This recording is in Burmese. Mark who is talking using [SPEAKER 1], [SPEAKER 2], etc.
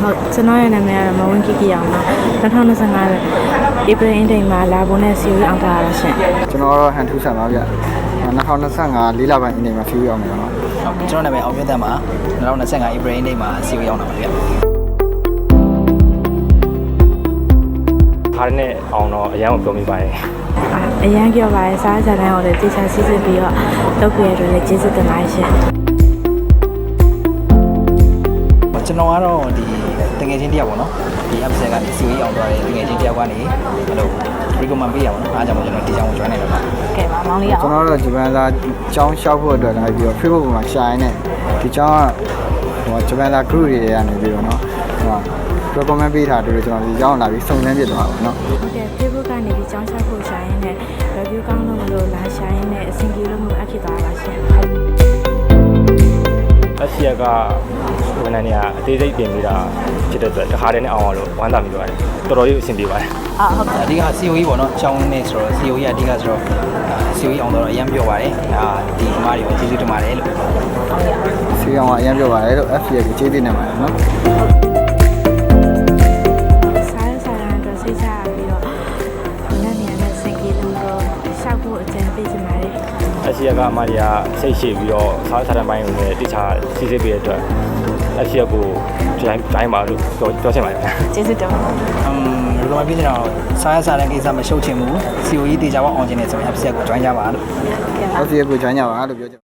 [SPEAKER 1] ဟုတ်ကျွန်တော်ရဲ့နာမည်ကတော့မဝင်းကီကီအောင်ပါ2025 April Intake မှာလာဖို့နဲ့ COE အောင်ထားရတာရှင်
[SPEAKER 2] ကျွန်တော်ကတော့ဟန်ထူးဆန်ပါဗျ2025 4လပိုင်း Intake မှာ COE အောင်မယ်နော်
[SPEAKER 3] ဟုတ်ကျွန်တော်နာမည်အောင်မြတ်သက်ပါ2025 April Intake မှာ COE အောင်တာပါဗျ
[SPEAKER 4] အားနဲ့အောင်တော့အရန်ကိုပြောမိပါတယ်
[SPEAKER 1] အရန်ကြောက်ပါတယ်စားကြတဲ့ဟိုလေတေချာစီစစ်ပြီးတော့လုပ်ပြရတဲ့လည်းကျေးဇူးတင်ပါတယ်ရှင်
[SPEAKER 3] ကျွန်တော်ကတော့ဒီတကယ်ချင်းတယောက်ပေါ့နော်ဒီ episode ကနေ COE အောင်သွားတယ်တကယ်ချင်းတယောက်ကနေအဲ့လို recommend ပေးရပါတော့အားကြောင့်ကျွန်တော်ဒီကြောင်ကို join နေတော့ပါ
[SPEAKER 1] ကဲပါမောင်လေးရအောင်
[SPEAKER 2] ကျွန်တော်တို့ဂျပန်သားကျောင်းရှောက်ဖို့အတွက်လာပြီးတော့ Facebook ပေါ်မှာရှာရင်းနဲ့ဒီကျောင်းကဂျပန်သား group တွေကနေပြီးတော့နော်recommend ပေးထားတယ်ကျွန်တော်ဒီကျောင်းလာပြီးစုံစမ်းပြသွားပါနော်
[SPEAKER 1] ဟုတ်ကဲ့ Facebook ကနေဒီကျောင်းရှောက်ဖို့ရှာရင်းနဲ့ review ကောင်းလို့မလို့လာရှာရင်းနဲ့အဆင်ပြေလို့မလို့အဖြစ်သွားပါရှင်
[SPEAKER 4] အစီရကဝန်ထမ်းတွေကအသေးစိတ်ပြင်ပြီးတာဖြစ်တဲ့အတွက်တခါတည်းနဲ့အောင်အောင်လို့ဝမ်းသာမိပါတယ်တော်တော်လေးအဆင်ပြေပါတယ်
[SPEAKER 3] ဟုတ်တယ်အဓိက COE ပေါ့နော်ကျောင်းနေဆိုတော့ COE အဓိကဆိုတော့ COE အောင်တော့အရင်ပြောပါတယ်ဒါဒီအမားတွေကိုကျေးဇူးတင်ပါတယ်လို့
[SPEAKER 2] COE အောင်ကအရင်ပြောပါတယ်လို့ FCA ကိုကျေးဇူးတင်ပါတယ်နော်
[SPEAKER 4] အစီရကအမကြီးကစိတ်ရှိပြီးတော့စားစားတဲ့ဘိုင်းကိုလည်းတိကျစီစစ်ပေးတဲ့အတွက်အစီရကိုတိုင်းပါလို့ပြောချင်ပါတယ်
[SPEAKER 1] ကျေးဇူးတင်ပါတယ်
[SPEAKER 3] ဒီလိုမှပြချင်တော့စားတဲ့ကိစ္စမရှုပ်ချင်ဘူး COE တေချာပေါအောင်ချင်တယ်ဆိုရင် episode ကို join ကြပါလို့
[SPEAKER 2] FCA ကို join ကြပါလို့ပြောချင်